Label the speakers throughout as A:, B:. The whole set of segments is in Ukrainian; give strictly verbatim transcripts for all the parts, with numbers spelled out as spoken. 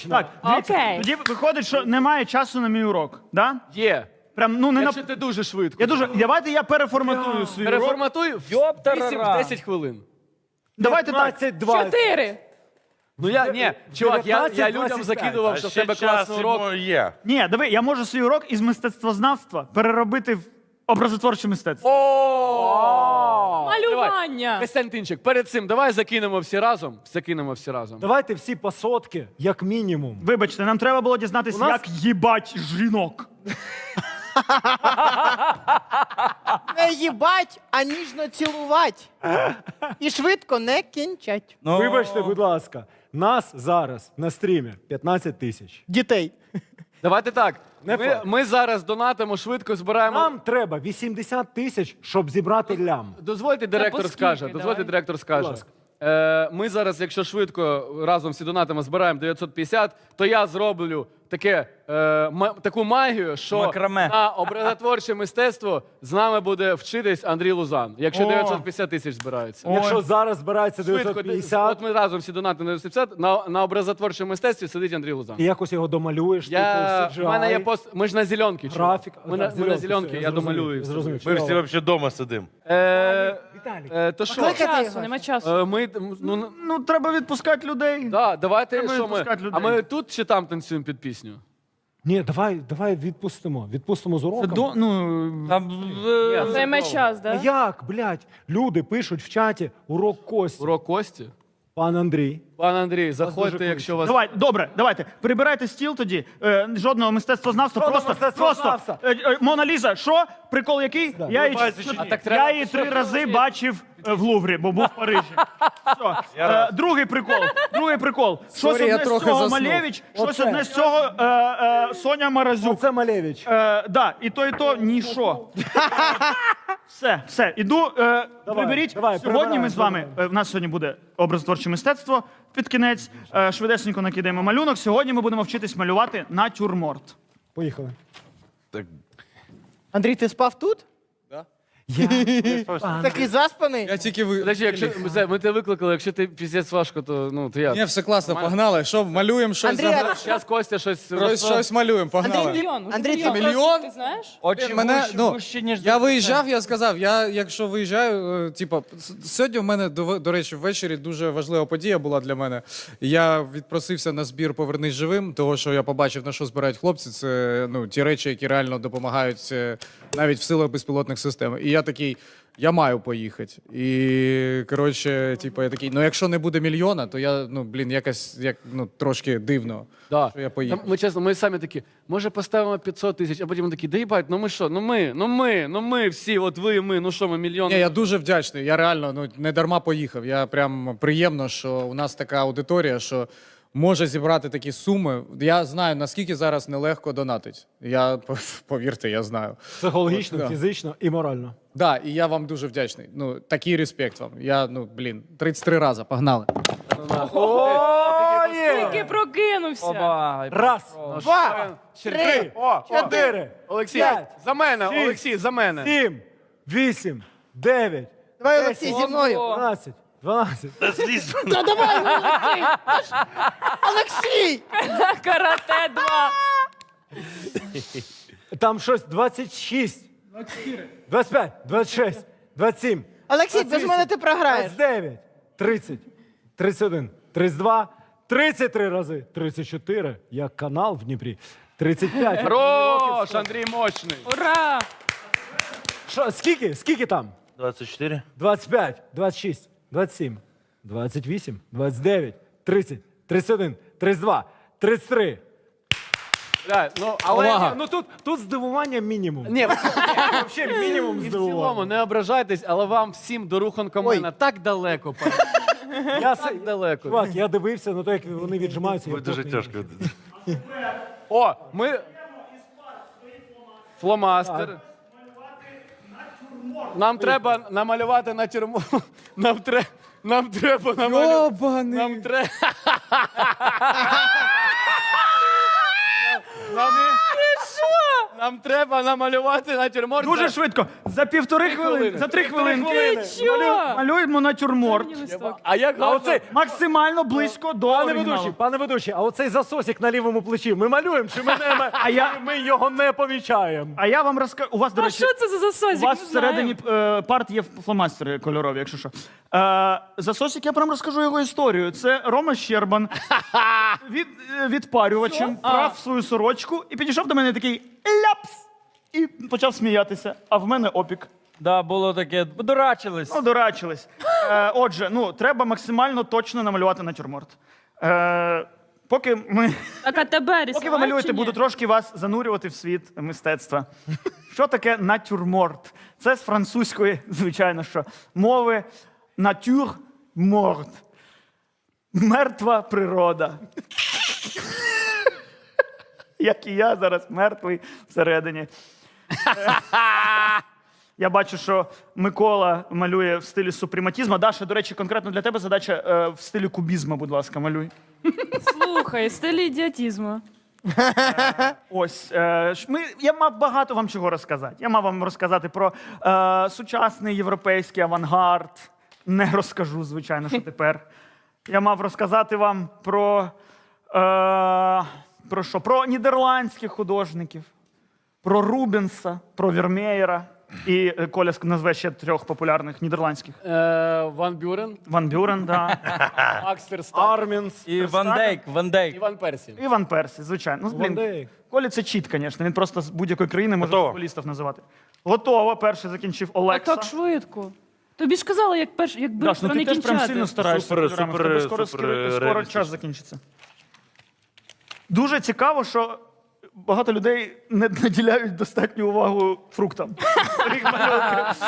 A: Так, дивіться,
B: Окей.
A: тоді виходить, що немає часу на мій урок, да?
C: Є.
A: Прям, ну, не на...
C: Якщо ти дуже швидко.
A: Я дуже... Давайте я переформатую свій урок.
C: Переформатуй в вісім-десять хвилин.
A: Давайте так.
D: п'ятнадцять двадцять.
B: Чотири.
C: Ну я, ні, чувак, я, я людям
D: дев'ятнадцять двадцять п'ять.
C: закидував, що в тебе класний урок.
E: є.
A: Ні, диви, я можу свій урок із мистецтвознавства переробити в образотворче мистецтво.
B: Малювання.
C: Костянтинчик, перед цим давай закинемо всі разом. Закинемо всі разом.
D: Давайте всі по сотки, як мінімум.
A: Вибачте, нам треба було дізнатися,
D: У нас-
A: як їбать жінок.
F: Не їбать, а ніжно цілувати. І швидко не кінчать.
D: Вибачте, будь ласка, нас зараз на стрімі п'ятнадцять тисяч.
F: Дітей.
C: Давайте так.
D: Не
C: Ми,
D: факт.
C: ми зараз донатимо, швидко збираємо.
D: Нам треба вісімдесят тисяч, щоб зібрати лям.
C: Дозвольте, директор
B: по скільки,
C: скаже.
B: давай?
C: Дозвольте, директор скаже.
D: ласка.
C: Е, ми зараз, якщо швидко разом всі донатимо, збираємо дев'ятсот п'ятдесят, то я зроблю таке, е, ма- таку магію, що
E: Макраме.
C: на образотворче мистецтво з нами буде вчитись Андрій Лузан, якщо
A: О.
C: дев'ятсот п'ятдяд тисяч збирається.
D: Якщо зараз збирається
C: Швидко,
D: дев'ятсот п'ятдесят,
C: от ми разом всі донатимо на дев'ятсот п'ятдесят, на, на образотворчому мистецтві сидить Андрій Лузан.
D: і якось його домалюєш,
C: Я,
D: типу,
C: в мене є
D: си джі ай,
C: пост, ми ж на зеленки. чувак.
D: графік.
C: Ми, на,
D: Так,
C: ми на
D: зеленки,
C: зеленки,
D: все,
C: я
D: зрозумів,
C: домалюю.
D: зрозумів.
E: Ми всі взагалі вдома сидимо.
C: Е,
D: Віталій.
C: е, то що?
B: Нема
F: Кликати
B: часу,
F: його.
B: нема часу.
C: Е, ми, ну,
A: Ну, треба відпускати людей.
C: да, давайте,
A: Треба
C: що ми,
A: відпускати людей.
C: а ми тут чи там танцюємо під пісню?
D: Ні, давай, давай відпустимо. Відпустимо з
A: Це
D: уроком.
A: до, ну,
E: Там
B: Займе час,
D: А
B: да?
D: як, блядь? Люди пишуть в чаті урок Кості.
C: Урок Кості?
D: Пан Андрій.
C: Пан Андрій,
D: дуже
C: заходьте,
D: кличуть.
C: якщо вас...
A: Давай, добре, давайте. Прибирайте стіл тоді. Е, жодного мистецтвознавства.
D: Жодного
A: Просто,
D: мистецтвознавства.
A: просто. Е, е, Мона Ліза, що? Прикол який? Я, її,
E: Бачиш, чи ні?
C: А так треба,
A: я її три
C: щоб-
A: рази бачив е, в Луврі, бо був в Парижі. Все. Е, другий прикол. Другий прикол. Щось
G: Сорі, я
A: одне з
G: трохи
A: цього
G: заснув.
A: Малевич, щось
D: Оце.
A: одне з цього е, е, Соня Маразюк.
D: Оце Малевич.
A: Е, да, і то, і то ні що. Все, все, іду. Е, приберіть.
D: давай,
A: Сьогодні ми
D: прибираємо,
A: з вами. е, В нас сьогодні буде образотворче мистецтво. Під кінець е, швидесенько накидаємо малюнок. Сьогодні ми будемо вчитись малювати натюрморт.
D: Поїхали.
F: Андрій, ти спав тут?
D: Я...
F: Такий заспаний?
G: Я тільки ви.
C: Подожди, якщо ми, ми тебе викликали, якщо ти піздець важко, то ну то я.
G: Ні, все класно, погнали. Що, малюємо щось?
F: Андрій,
G: загра-
F: а-
C: Зараз Костя щось
G: Щось, щось малюємо, погнали.
B: Мільйон.
F: Андрій,
B: Мільйон.
F: ти-
G: Мільйон?
B: Ти знаєш?
E: очі
G: Мене,
E: гущі,
G: ну,
E: гущі, ніж
G: я виїжджав, я сказав, я якщо виїжджаю, е, типу, с- сьогодні в мене, до, до речі, ввечері дуже важлива подія була для мене. Я відпросився на збір «Повернись живим», того, що я побачив, на що збирають хлопці, це ну, ті речі, які реально допомагають е, навіть в силах безпілотних систем. І я такий, я маю поїхати. І, коротше, типу, я такий, ну якщо не буде мільйона, то я, ну, блін, якось, як, ну, трошки дивно,
C: Да.
G: що я поїхав.
C: Там, ми чесно, ми самі такі, може поставимо п'ятсот тисяч, а потім такі, да їбать, ну ми що, ну ми, ну ми, ну ми всі, от ви, ми, ну що, ми мільйон.
G: Ні, я дуже вдячний. Я реально ну, не дарма поїхав. Я прям приємно, що у нас така аудиторія, що може зібрати такі суми. Я знаю, наскільки зараз нелегко донатить. Я, повірте, я знаю.
D: Психологічно,
G: От, да.
D: фізично і морально.
G: Да, і я вам дуже вдячний. Ну, такий респект вам. Я, ну, блін, тридцять три рази. Погнали.
B: Тільки прокинувся.
E: Оба.
D: Раз,
F: Два, три,
D: чотири,
C: Олексій,
D: п'ять,
C: за мене,
D: шість,
C: Олексій, за мене.
D: сім, вісім, дев'ять,
F: Давай, Олексій, зі мною.
D: дванадцять, дванадцять.
F: Та давай, Олексій! Олексій!
B: Карате два.
D: Там щось двадцять шість, двадцять п'ять, двадцять шість, двадцять сім,
F: Олексій, без мене ти програєш.
D: двадцять дев'ять, тридцять, тридцять один, тридцять два, тридцять три рази, тридцять чотири, як канал в Дніпрі, тридцять п'ять.
C: Хорош, Андрій мощний.
B: Ура!
D: Що, скільки? Скільки там?
E: двадцять чотири.
D: двадцять п'ять, двадцять шість, двадцять сім, двадцять вісім, двадцять дев'ять, тридцять, тридцять один, тридцять два, тридцять три.
C: Да, ну, але
G: Увага.
D: Ну тут, тут здивування мінімум.
C: ні,
D: Взагалі мінімум
C: і в
D: здивування.
C: цілому не ображайтесь, але вам всім до Руханкомена так далеко, пане.
D: Я,
C: так
D: с-
C: далеко.
D: чувак, я дивився на те, як вони віджимаються. я
E: Ви дуже
D: просто-
E: тяжко.
C: О, ми... Фломастер. Нам треба намалювати на тюрму. Нам, тре... Нам треба намалювати.
G: Йобаний.
C: Нам треба. Нам... Нам треба намалювати натюрморт.
A: Дуже
C: за-
A: швидко. За півтори хвилини,
C: хвилини.
A: за три хвилинки.
B: Ти чо?
A: Малю- Малюємо натюрморт.
B: Мені листок.
C: А як
D: А
C: гарно.
D: оцей,
A: Максимально близько до
D: пане
A: оригіналу.
D: ведучий, пане ведучий, а оцей засосик на лівому плечі ми малюємо, чи ми, не,
A: А я-
D: ми його не помічаємо?
A: А я вам розкажу. У вас, до
B: А
A: речі,
B: що це за засозик?
A: у вас
B: Не
A: всередині
B: знаю.
A: е, парт є фломастери кольорові, якщо що. Е, засосик, я прям розкажу його історію. Це Рома Щербан від, е, відпарювачем прав свою сорочку і підійшов до мене такий ляпс! І почав сміятися. А в мене опік.
E: Да, було таке, дурачились.
A: Ну, дурачились. Е, отже, ну, треба максимально точно намалювати натюрморт. Е, поки ми.
B: Так, а тебе
A: Поки
B: рисувати
A: ви малюєте,
B: чи ні?
A: буду трошки вас занурювати в світ мистецтва. Що таке натюрморт? Це з французької, звичайно, що мови натюрморт. Мертва природа. Як і я зараз мертвий всередині. Я бачу, що Микола малює в стилі супрематізму. Даша, до речі, конкретно для тебе задача е, в стилі кубізму, будь ласка, малюй.
B: Слухай, стиль ідіотізму.
A: Ось е, ж ми, я мав багато вам чого розказати. Я мав вам розказати про е, сучасний європейський авангард. Не розкажу, звичайно, що тепер. Я мав розказати вам про, е, про що? Про нідерландських художників, про Рубенса, про Вірмеєра. І е, Коля назве ще трьох популярних нідерландських.
C: Е, Ван Бюрен,
A: Ван Бюрен, да.
C: Макс Ферстапен,
D: Армінс.
E: І Ван Дейк, Ван Дейк.
C: Іван Персі.
A: І Ван Персі, звичайно. Ну,
D: Ван
A: блін,
D: Дейк.
A: Колі це чіт, звісно. Він просто з будь-якої країни може
E: Готово.
A: футболістів називати. Готово. Перший закінчив
B: А
A: Олекса.
B: так швидко. Тобі ж казали, як перш, якби
A: Даш, ну
B: про
A: ти
B: не
A: теж прям
B: кінчати.
A: сильно стараєшся.
E: Супер,
A: кольорами. В
E: супер,
A: тебе скоро,
E: супер
A: скоро, скоро
E: реалістично.
A: час закінчиться. Дуже цікаво, що багато людей не наділяють достатню увагу фруктам. Своїх малюнків.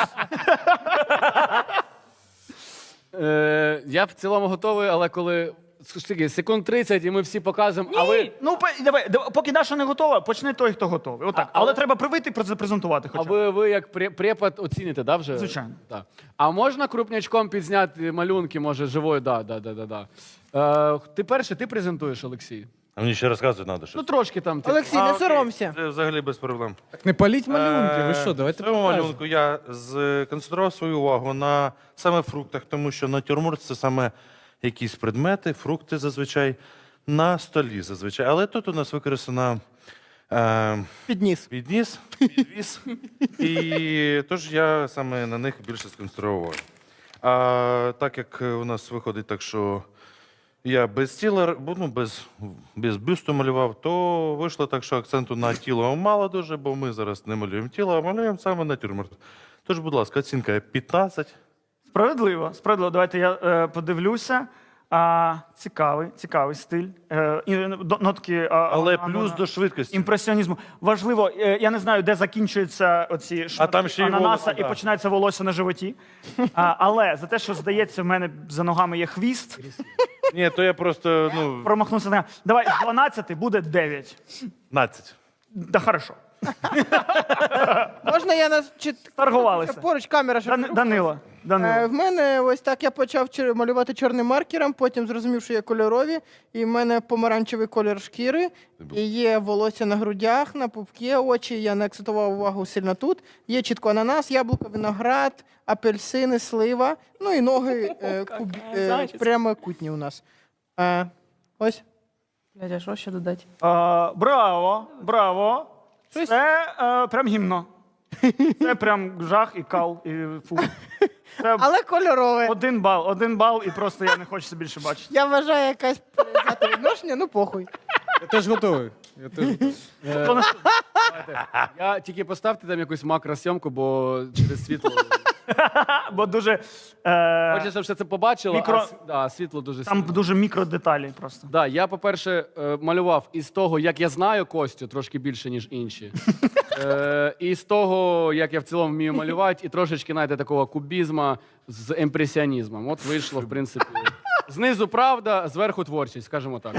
C: Е, я в цілому готовий, але коли скажіть, секунд тридцять і ми всі показуємо, а ви,
A: Ну, по- давай, давай, поки Даша не готова, почне той, хто готовий. Отак.
C: А-
A: Але
C: але-
A: треба привити і презентувати
C: а
A: хоча б.
C: ви, ви як пре- препод оціните, да, вже?
A: Звичайно.
C: Так. А можна крупнячком підзняти малюнки, може, живою? Да, да, да, да, да. Е, ти перший, ти презентуєш, Олексій?
E: А мені ще розказувати треба щось.
C: Ну, трошки там. ти-
F: Олексій,
E: А,
F: не
E: окей,
F: соромся.
E: Це взагалі без проблем.
G: Так не паліть малюнки, ви
E: Е,
G: що,
E: В
G: давайте
E: цьому
G: покажемо.
E: малюнку я сконцентрував свою увагу на саме фруктах, тому що натюрморт це саме якісь предмети, фрукти зазвичай на столі зазвичай. Але тут у нас використана е,
F: Підніс.
E: підніс, підвіс, і тож я саме на них більше сконцентрував. А так як у нас виходить так, що я без тіла, бу- ну, без, без бюсту малював, то вийшло так, що акценту на тіло мало дуже, бо ми зараз не малюємо тіло, а малюємо саме натюрморт. Тож, будь ласка, оцінка п'ятнадцять.
A: Справедливо, справедливо. Давайте я е, подивлюся. А, цікавий, цікавий стиль. Е, і, до- нотки, а,
E: Але
A: а,
E: плюс
A: а,
E: до швидкості.
A: імпресіонізму. Важливо, е, я не знаю, де закінчуються оці шматки
E: там ще й
A: ананаса
E: волосся,
A: і
E: да.
A: починається волосся на животі. А, але за те, що здається, в мене за ногами є хвіст,
E: Ні, то я просто, ну,
A: промахнувся на. Давай з дванадцяти буде дев'ять.
E: п'ятнадцять.
A: Да, хорошо.
F: Можна я нас чи
A: Торгувалися.
F: поруч камера щоб не
A: Дан, Данило.
F: Е,
A: Данило.
F: В мене ось так я почав чер- малювати чорним маркером, потім зрозумів, що є кольорові, і в мене помаранчевий колір шкіри, і є волосся на грудях, на пупки, очі. Я не акцентував увагу сильно тут. Є чітко ананас, яблуко, виноград, апельсини, слива. Ну і ноги е, куб, е,
B: Зачіска.
F: прямокутні у нас. Е, ось.
B: Дядя, що ще додати?
A: А, браво, браво.
F: Щось-
A: Це е, прям гімно. Це прям жах і кал, і фу. Це
F: Але кольорове.
A: один бал, один бал, і просто я не хочу це більше бачити.
F: Я вважаю якась взяти відношення, ну похуй.
G: Я теж готовий. Я теж готовий.
A: То на-
C: Я тільки поставте там якусь макросйомку, бо через світло.
A: Бо дуже е,
C: Хочеться, щоб все це побачило,
A: Мікро-
C: а с- да, світло дуже
A: там
C: сильно.
A: дуже мікродеталі просто.
C: Да, я, по-перше, е, малював із того, як я знаю Костю, трошки більше, ніж інші. Е, і з того, як я в цілому вмію малювати, і трошечки, знаєте, такого кубізму з імпресіонізмом. От вийшло, в принципі. Знизу правда, зверху творчість, скажімо так.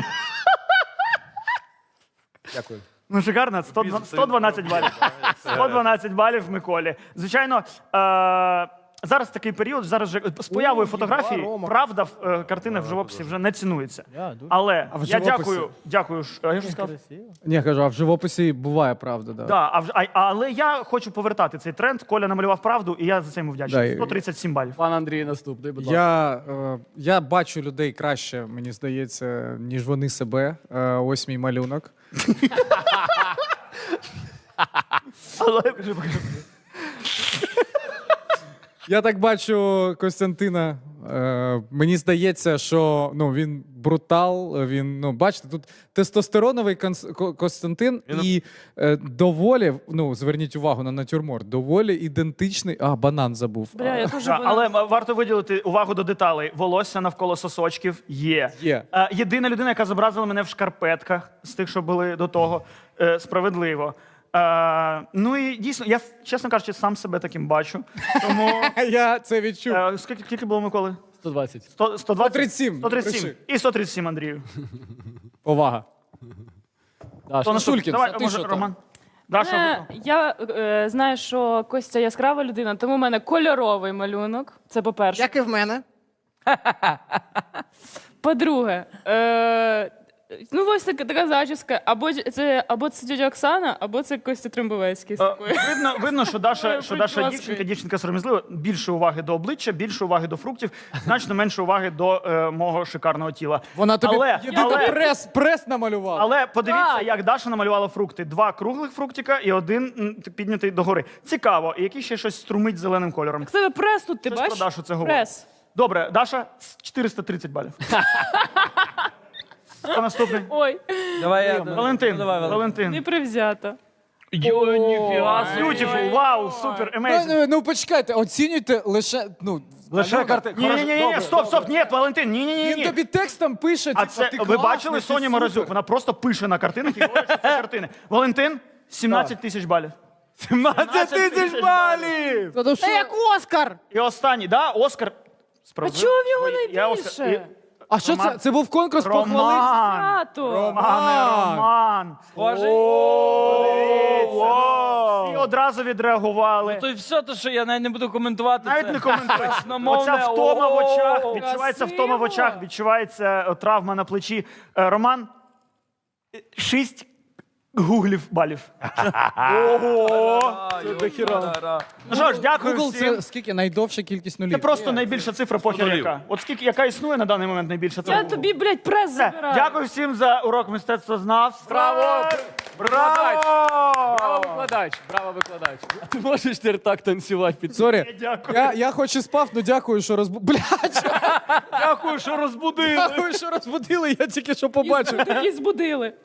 C: Дякую.
A: Ну, шикарно, сто, сто дванадцять балів. сто дванадцять балів Миколі. Звичайно, е, зараз такий період, зараз вже з появою
F: О,
A: фотографії,
F: єба, Рома.
A: правда, в е, картинах в живописі вже не цінується.
F: Я, дуже
A: Але
G: А в
A: я
G: живописі?
A: дякую, дякую. ш- а Я ж сказав.
F: красиво.
G: Ні, кажу, а в живописі буває правда, да.
A: Да, а, вже- а, але я хочу повертати цей тренд. Коля намалював правду, і я за це йому
G: Да,
A: вдячний.
G: і-
A: сто тридцять сім балів.
C: Пан Андрій наступний, будь ласка.
G: Я, е, я бачу людей краще, мені здається, ніж вони себе. Е, ось мій малюнок.
A: Але
G: Я так бачу Костянтина. Е, мені здається, що ну, він брутал. Він, ну, бачите, тут тестостероновий Конс- Ко- Костянтин
E: Він-
G: і е, доволі, ну, зверніть увагу на натюрморт, доволі ідентичний. А, банан забув.
B: Бля, я теж
A: Да,
B: була-
A: але м- варто виділити увагу до деталей. Волосся навколо сосочків є.
G: Є.
A: Е, Єдина людина, яка зобразила мене в шкарпетках з тих, що були до того, е, справедливо. Е, ну і дійсно, я, чесно кажучи, сам себе таким бачу. Тому
G: Я це відчув.
A: е, скільки, скільки було Миколи?
C: сто двадцять.
A: сто, сто двадцять?
G: сто тридцять сім.
A: сто тридцять сім.
G: Пиши.
A: І сто тридцять сім, Андрію.
G: Повага.
C: Даша.
A: Хто наступний?
G: Шулькін,
A: Давай,
G: а ти
A: може,
G: що там?
A: Роман. Даша.
B: Мене- я е, знаю, що Костя яскрава людина, тому в мене кольоровий малюнок. Це по-перше.
F: Як і в мене.
B: По-друге, е, ну ось така, така зачіска. Або ж- це або це тетя Оксана, або це Костя Трембовецький з
A: Е,
B: такою.
A: Видно, видно, що Даша,
B: Такою
A: що Даша
B: прическою.
A: дівчинка, дівчинка сором'язлива. Більше уваги до обличчя, більше уваги до фруктів, значно менше уваги до е, мого шикарного тіла.
G: Вона тобі
A: Але-
G: єдиний
A: але-
G: прес, прес намалювала.
A: Але подивіться,
B: Так.
A: як Даша намалювала фрукти. Два круглих фруктика і один м, піднятий догори. Цікаво, і який ще щось струмить зеленим кольором.
B: В тебе прес тут, ти
A: Щось про
B: бачиш?
A: Дашу це говорить.
B: Прес.
A: Добре, Даша, с- чотириста тридцять балів. Хто наступний?
B: Ой,
H: Давай я.
A: Валентин.
H: Ну, давай, Валентин.
A: Валентин.
B: не привзята.
A: Beautiful, вау, супер,
G: Ну,
A: amazing.
G: ну, ну почекайте, оцінюйте лише. Ну,
D: Лише
G: малюнок.
D: карти.
A: Ні, ні, ні, ні, стоп, стоп, ні, Валентин, ні, ні, ні,
G: Він
A: ні.
G: тобі текстом пише,
A: А
G: типа,
A: це
G: ти
A: ви
G: класний,
A: бачили
G: ти
A: Соню
G: супер.
A: Морозюк? Вона просто пише на картинах і говорить, що це картини. Валентин, сімнадцять тисяч балів.
D: сімнадцять тисяч балів!
G: Та ну що?
F: Це як Оскар!
A: І останній, да, Оскар.
B: А
A: Справедливо.
B: чого в нього
A: Ой, я Оскар-
B: найбільше?
G: А що
A: Роман.
G: це? Це був конкурс похвалити?
A: Роман.
B: Свято.
A: Романе, Роман.
H: Схожий?
A: О, всі одразу відреагували.
H: То й все, то що я навіть не буду коментувати.
A: Навіть
H: це.
A: не коментуй.
H: Красномовне,
A: Оця втома в очах,
H: о,
A: відчувається
B: красиво.
A: втома в очах, відчувається е, травма на плечі. Е, Роман, е, шість гуглів балів. Ого!
H: Це дохіра.
A: Ну що ж, дякую
G: Google
A: всім.
G: це скільки? Найдовша кількість нулів.
A: Це просто найбільша цифра похер
E: нулів.
A: яка. От скільки, яка існує на даний момент найбільша цифра.
B: Я тобі, блядь, прес
A: Все.
B: забираю.
A: Дякую всім за урок мистецтвознавства.
C: Браво!
A: Браво!
C: Браво, викладач! Браво, викладач! А ти можеш тепер так танцювати під
G: Сорі.
A: Дякую.
G: Я, я хоч і спав, ну дякую, що розбу... Блядь,
A: Дякую, що розбудили.
G: дякую, що розбудили, я тільки що побачив.
B: І збудили.